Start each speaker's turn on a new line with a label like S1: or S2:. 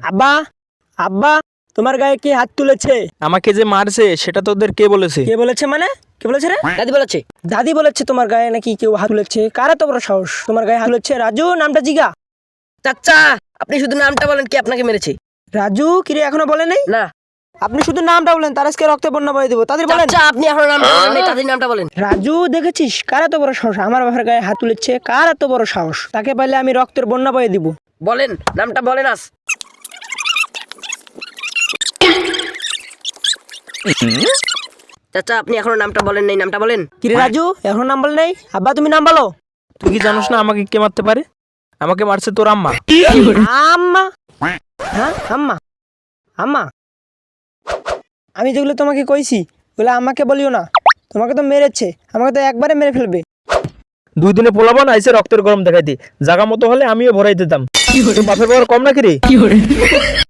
S1: আব্বা, আব্বা, তোমার গায়ে কে হাত তুলেছে?
S2: আমাকে যে মারছে সেটা তোদের কে বলেছে?
S1: কে বলেছে মানে? কে বলেছে রে?
S3: দাদি বলেছে।
S1: দাদি বলেছে তোমার গায়ে নাকি কেউ হাত তুলেছে। কার এত বড় সাহস তোমার গায়ে হাত তুলেছে? রাজু, নামটা জিগা।
S3: চাচা আপনি শুধু নামটা বলেন, কে আপনাকে মেরেছে?
S1: রাজু, কিরে এখনো বলে নাই?
S3: না
S1: আপনি শুধু নামটা বলেন, তার আজকে রক্তে বন্যা বয়ে দেবো। তাদের বলেন।
S3: চাচা আপনি এখনো নামটা বলেন নাই, তাদের নামটা বলেন।
S1: রাজু, দেখেছিস কার এত বড় সাহস? আমার বাবার গায়ে হাত তুলেছে। কার এত বড় সাহস? তাকে পাইলে আমি রক্তের বন্যা বয়ে দিব।
S3: বলেন নামটা বলেন আজ। চাচা আপনি এখনো নামটা বলেন নাই, নামটা বলেন।
S1: কিরে রাজু, এখনো নাম বলে নাই? আব্বা, তুমি নাম বলো।
S2: তুই কি জানোস না আমাকে কে মারতে পারে? আমাকে মারছে তোর আম্মা।
S1: আম্মা? হ্যাঁ, আম্মা? আম্মা? আমি যেগুলো তোমাকে কইছি ওগুলো আমাকে বলিও না। তোমাকে তো মেরেছে, আমাকে তো একবারে মেরে ফেলবে।
S2: 2 দিনে পোলাবান আইসে রক্তের গরম দেখাইতে। জাগা মতো হলে আমিও ভরাই দিতাম। তোর বাপের বড় কম নাকি রে?